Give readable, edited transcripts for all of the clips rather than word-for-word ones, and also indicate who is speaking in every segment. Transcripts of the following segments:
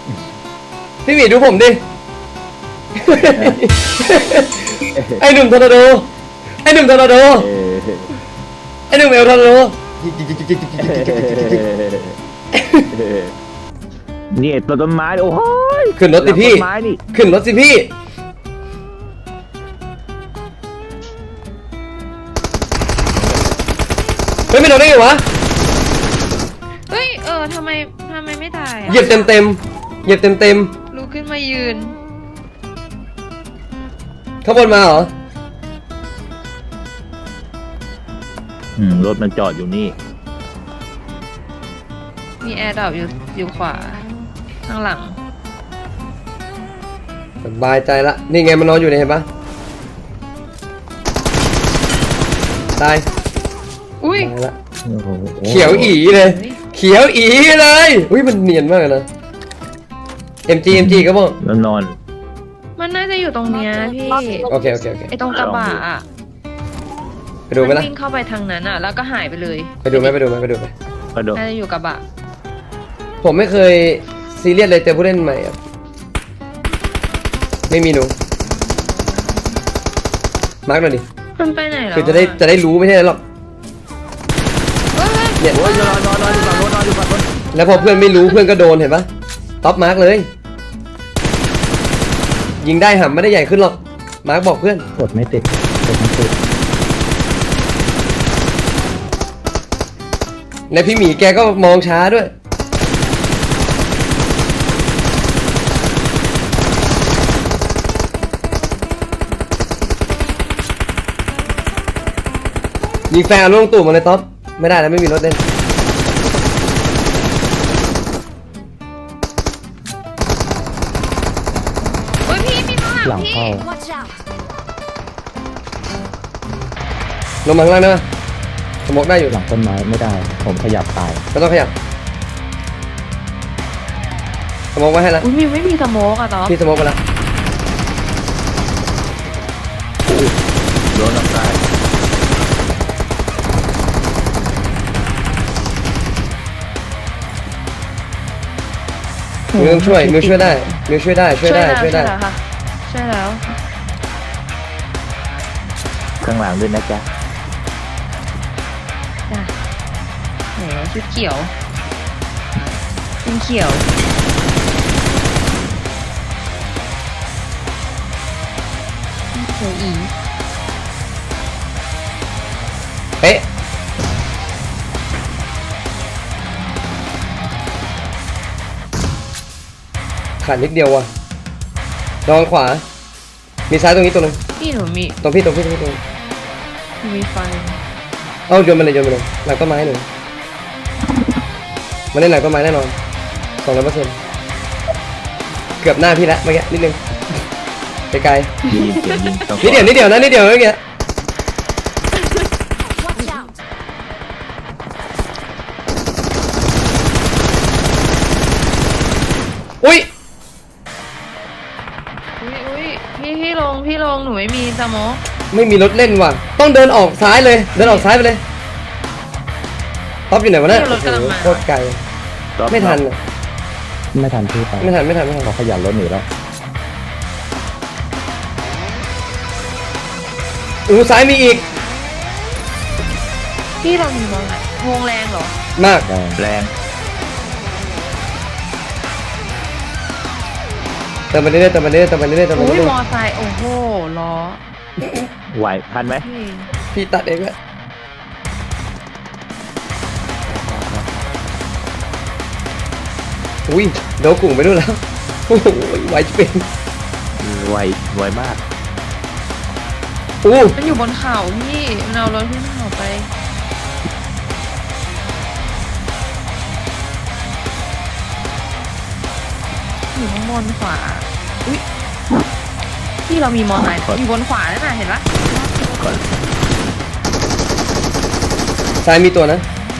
Speaker 1: พี่หมีดูผมดิ ไอหนุ่มทอร์นาโดไอหนุ่มทอร์นาโดไอหนุ่มเอลทอร์นาโด
Speaker 2: นี่ต้นไม้โอ้ย
Speaker 1: ขึ้นรถสิพี่
Speaker 2: ต้นไม้นี่
Speaker 1: ขึ้นรถสิพี่เฮ้ยไม่โดนได้ไงวะ
Speaker 3: เฮ้ยทำไมไม่ตาย
Speaker 1: เหยียบเต็มเหยียบเต็ม
Speaker 3: ลุกขึ้นมายืน
Speaker 1: ข้างบนมาเหรอ
Speaker 2: รถมันจอดอยู่นี่
Speaker 3: มีแอร์ดรอปอยู่ขวาข้างหลัง
Speaker 1: สบายใจละนี่ไงมันนอนอยู่เนี่ยเห็นปะตาย
Speaker 3: อุ้ย
Speaker 1: ตายละ
Speaker 2: โอ้โห
Speaker 1: เขียวอีเลย เขียวอีเลยอุ้ยมันเนียนมากเลยนะ MG ก็บอก
Speaker 2: แล้วนอน
Speaker 3: มันน่าจะอยู่ตรงเนี้ยพี่
Speaker 1: โอเค
Speaker 3: ไอตรงกระบะอ่ะ
Speaker 1: ไปดูไหม
Speaker 3: มัน
Speaker 1: ล่ะ
Speaker 3: วิ่งเข้าไปทางนั้นอ่ะ แล้วก็หายไปเลย
Speaker 1: ไปดูไหม
Speaker 2: กระโดด
Speaker 3: น่าจะอยู่กระบะ
Speaker 1: ผมไม่เคยซีเรียสเลยเจอผู้เล่นใหม่อะไม่มีหนูมาร์กหน่อยดิ
Speaker 3: มันไปไหนแล้ว
Speaker 1: คือจะได้รู้ไม่ใช่หรอก
Speaker 3: เฮ้ย
Speaker 1: เนี่ย
Speaker 2: โอ้ยนอนอยู่ฝั่งโน้นนอนอยู่ฝั่งโน้น
Speaker 1: แล้วพอเพื่อนไม่รู้เพื่อนก็โดนเห็นปะท็อปมาร์กเลย ยิงได้หำไม่ได้ใหญ่ขึ้นหรอกมาร์กบอกเพื่อน
Speaker 2: กดไม่ติดกดไม่ติด
Speaker 1: และพี่หมีแกก็มองช้าด้วยยิงแฟนลงตู่มาเลยท็อปไม่ได้แล้วไม่มีรถเล่น
Speaker 3: เฮ้ยพี่มีข้างหลังพี่
Speaker 1: ลงมาข้างล่างได้ไหมสมกได้อยู่
Speaker 2: หลังต้นไม้ไม่ได้ ผมขยับตาย
Speaker 1: ไม่ต้องขยับสมกไว้ให้แล้ว
Speaker 3: อุ้ยไม่มีสโมกอะต๊อบ
Speaker 1: พี่สมกไปแล้ว
Speaker 2: โดนน้ำตาย
Speaker 1: มิวต้องช่วยมิวช่วยได้มิวช่วยได้ช่วยได้
Speaker 3: ช่วยแล้วค่ะช่วยแล้ว
Speaker 2: ข้างหลังด้วยนะจ๊ะ
Speaker 3: จ้ะแหมชุดเขียวเป็นเขียวเขียวอี
Speaker 1: เป๊ะขาดนิดเดียวว่ะระวังขวา มีซ้ายตรงนี้ตัวหนึง
Speaker 3: พี่หนูมี
Speaker 1: ตรงพี่หนู
Speaker 3: มีไฟ
Speaker 1: เอาโยนมาเลยหลังต้นไม้หนึ่งมาเล่นหลังต้นไม้แน่นอน200%เกือบหน้าพี่ละเมื่อกี้นิดนึงไกล
Speaker 2: ยิงเสียงยิงต้อง
Speaker 1: ๆนิดเดียวนะนิดเดียวเมื่อกี้อุ้ย
Speaker 3: อุ้ยพี่ลงหนูไม่มีสโมก
Speaker 1: ไม่มีรถเล่นว่ะต้องเดินออกซ้ายเลยเดินออกซ้ายไปเลยท็อปอยู่ไหนวะเนี่ยโอ้โหโคตรไกลไม่ทันอะ
Speaker 2: ไม่ทันพี่ไป
Speaker 1: ไม่ทัน
Speaker 2: เขาขยับรถหนีแล้ว
Speaker 1: ซ้ายมีอีก
Speaker 3: พี่เรามีมองไหนวงแรงเหรอ
Speaker 1: มาก
Speaker 2: แรง
Speaker 1: เติมไปเรื่อยๆ
Speaker 3: อุ้ยมอไซค์โอ้โหล้อ
Speaker 2: ไหวทันไหม
Speaker 3: พี่
Speaker 1: พี่ตัดเองแหละอุ้ยโดนกลุ่มไปด้วยแล้วโอ้โหไหวจะเป็น
Speaker 2: ไวมาก
Speaker 1: อู้
Speaker 3: มันอยู่บนเขาพี่มันเอารถขึ้นเขาไปอยู่ข้างบนขวาอุ้ยพี่เรามีมอไซค์อยู่บนขวานั่นน่ะเห็นปะ
Speaker 2: ก่อน
Speaker 1: ซ้ายมีตัวนะ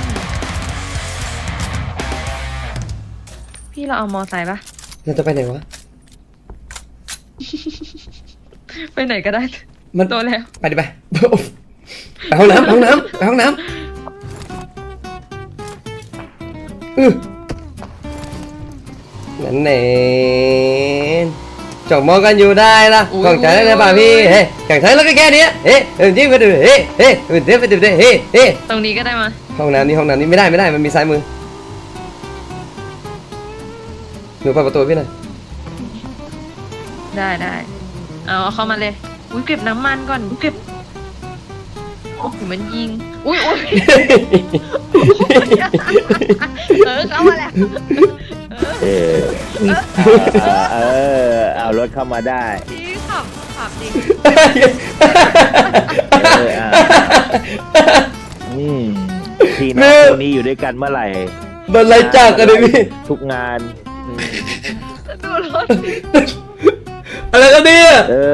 Speaker 3: พี่เราเอามอไซค์ปะ
Speaker 1: เราจะไปไหนวะ
Speaker 3: ไปไหนก็ได้
Speaker 1: มัน
Speaker 3: ตัวแล้ว
Speaker 1: ไปดิไปไปห้องน้ำไปห้องน้ำไหนนั่นเองจบมองกันอยู่ได้ละกล่องใจได้เลยป่ะพี่เฮ้ยกล่องใจแล้วก็แค่นี้เฮ้ยจริงไปดูเฮ้ยเฮ้ยเดี๋ยวไปดูเฮ้ยเฮ้ย
Speaker 3: ตรงนี้ก็ได้มา
Speaker 1: ห้องน้ำนี่ไม่ได้มันมีซ้ายมือหนูเปิดประตูพี่หน่อย
Speaker 3: ได้เอาเข้ามาเลยอุ้ยเก็บน้ำมันก่อนเก็บอยู่มันยิงอุ้ยเข้ามาแล้ว
Speaker 2: เออเอารถเข้ามาได้
Speaker 3: พี่ขับดิ
Speaker 2: พี่น้องคู่นี้อยู่ด้วยกันเมื่อไหร่
Speaker 1: โดนไล่จากกันเลยพี่
Speaker 2: ทุกงาน
Speaker 3: ดูรถ
Speaker 1: อะไรกันเนี่ย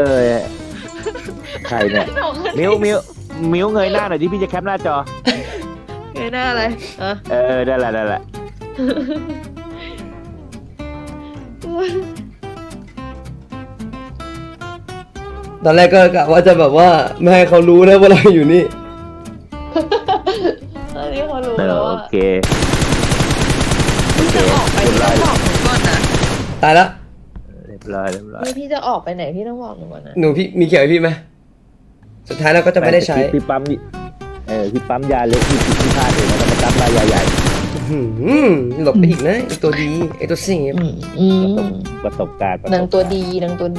Speaker 2: ใครเนี่ยมิ้วเงยหน้าหน่อยที่พี่จะแคปหน้าจอ
Speaker 3: เงยหน้าอะไร
Speaker 2: ได้แหละ
Speaker 1: ตอนแรกก็กะว่าจะแบบว่าไม่ให้เขารู้นะว่าเราอยู่นี่
Speaker 3: ตอนนี้เขารู้แล้ว
Speaker 2: โอ
Speaker 3: ว่า
Speaker 2: เค
Speaker 3: พี่จะออกไปพี่ต้องบอกหนูก่อนนะ
Speaker 1: ตายแล้ว
Speaker 2: เรียบร้อย
Speaker 3: นี่พี่จะออกไปไหนพี่ต้องบอกหนูก่อนนะ
Speaker 1: หนูพี่มีเขียวให้พี่ไหมสุดท้ายเราก็จะไม่ได้ใช้
Speaker 2: พี่ปั๊มพี่ปั๊มยาเล็กพี่พลาดเลยนะมาปั๊มยาใหญ่
Speaker 1: หลบไปอีกนะไอตัวดีไอตัวเสียบ
Speaker 2: ประสบการณ์
Speaker 3: นางตัวดี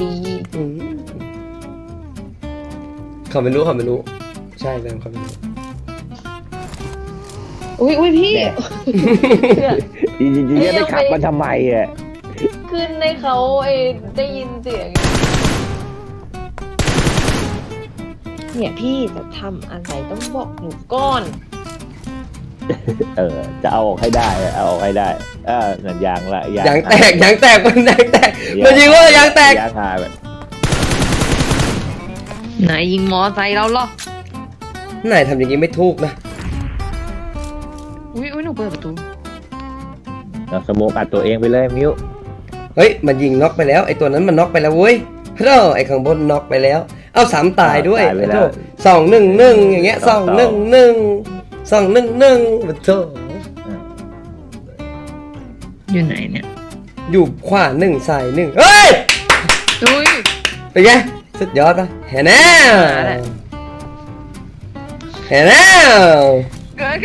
Speaker 1: เขาไม่รู้ใช่แบมเขาไม่รู้
Speaker 3: อุ้ยพี่
Speaker 2: จริงๆจะได้ขับมาทำไมอ่ะ
Speaker 3: ขึ้นในเขาได้ยินเสียงเนี่ยพี่จะทำอะไรต้องบอกหนูก่อน
Speaker 2: จะเอาออกให้ได้เอาออกให้ได้นั่นยางละ
Speaker 1: ยางแตกมันยางแตกมันยิงว่ายางแตก
Speaker 2: ยางหายแบบ
Speaker 3: ไหนยิงมอไซค์เราหรอ
Speaker 1: ไหนทำอย่างนี้ไม่ถูกนะ
Speaker 3: อุ้ยหนูเปิดประตู
Speaker 2: เราสโมกอัดตัวเองไปเลยมิ้ว
Speaker 1: เฮ้ยมันยิงน็อกไปแล้วไอตัวนั้นมันน็อกไปแล้วเว้ยเฮ้ยไอข้างบนน็อกไปแล้วเอา3ตายด้วยไอ้โธ่2-1-1อย่างเงี้ย2-1-1โธ่
Speaker 3: อยู่ไหนเนี่ย
Speaker 1: อยู่ขวา1ซ้าย1เฮ้ย
Speaker 3: อุ้ย
Speaker 1: เป็นไงสุดยอดปะเห็นแน่
Speaker 3: มาแล้ว
Speaker 1: เห็นแน่
Speaker 3: เกิด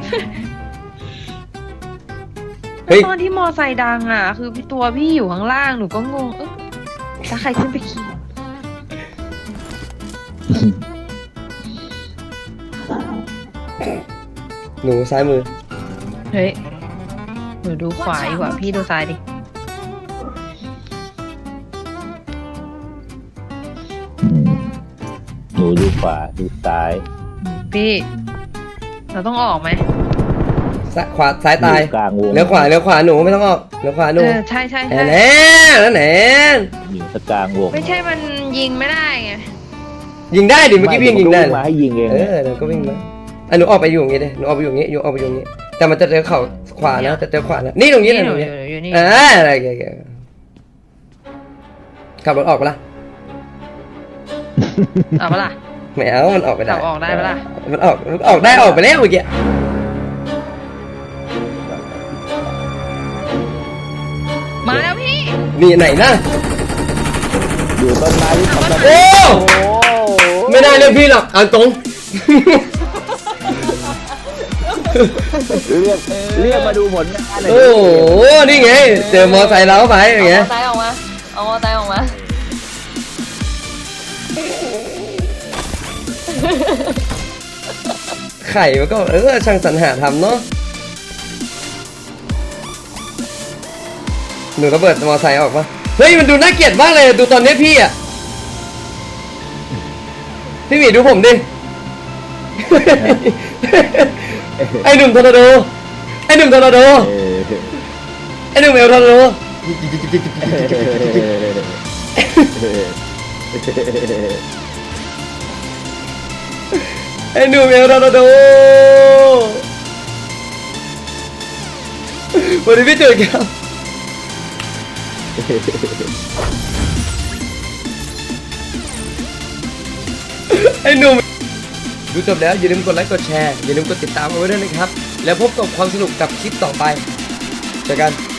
Speaker 1: เฮ้ย
Speaker 3: ตอนที่มอไซค์ดังอ่ะ คือตัวพี่อยู่ข้างล่างหนูก็งงถ้าใครขึ้นไปขี่
Speaker 1: หนูซ้ายมือ
Speaker 3: เฮ้ยหนูดูขวาดีกว่าพี่ดูซ้ายดิ
Speaker 2: หนูดูขวาดูซ้าย
Speaker 3: พี่ เราต้องออกไหม
Speaker 1: ขวาซ้ายตาย
Speaker 2: กลางวง
Speaker 1: เลี้ยวขวาหนูไม่ต้องออกเลี้ยวขวาหนู
Speaker 3: ใช่
Speaker 1: แหน่แล้วแหน่
Speaker 2: อยู่สกลางวง
Speaker 3: ไม่ใช่มันยิงไม่ได้ไง
Speaker 1: ยิงได้ดิเมื่อกี้พี่ยิงได้
Speaker 2: มาให้ยิงเอง
Speaker 1: เดี๋ยวก็วิ่งมาหนูออกไปอยู่อย่างงี้ดิหนูออกไปอยู่อย่างงี้ออกไปอยู่อย่างงี้แต่มันจะเจอเข่าขวานะจะเจอขวานะนี่ตรงนี้นะตรงนี้
Speaker 3: อยู่นี่
Speaker 1: อะไรขับรถออกปะล่ะ
Speaker 3: เอาปะล่ะ
Speaker 1: ไม่เอามันออกไปได้
Speaker 3: เราออกได้ปะล่ะ
Speaker 1: มันออกได้ออกไปแล้วเมื่อกี้
Speaker 3: มาแล้วพี่
Speaker 1: นี่ไหนนะ
Speaker 2: อยู่ต้นไม้ที่ทำกัน
Speaker 1: โอ้ไม่ได้เรียกพี่หรอกเอาตรง
Speaker 2: เรียกมาดูผลงานเลย
Speaker 1: โอ้โหนี่ไงเจอมอไซค์เราไปอย่างเงี้ย
Speaker 3: เอามอไซค์ออกมา
Speaker 1: ไข่มันก็ช่างสรรหาทำเนาะหนูระเบิดมอไซค์ออกปะเฮ้ยมันดูน่าเกลียดมากเลยดูตอนนี้พี่อ่ะพี่หมีดูผมดิ ไอหนุ่มทอร์นาโดไอหนุ่มเอลทอร์นาโดไอหนุ่มเอลทอร์นาโดวันนี้พี่เจอกันไอ้หนุ่มดูจบแล้วอย่าลืมกดไลค์กดแชร์อย่าลืมกดติดตามเอาไว้ด้วยนะครับแล้วพบกับความสนุกกับคลิปต่อไปเจอกัน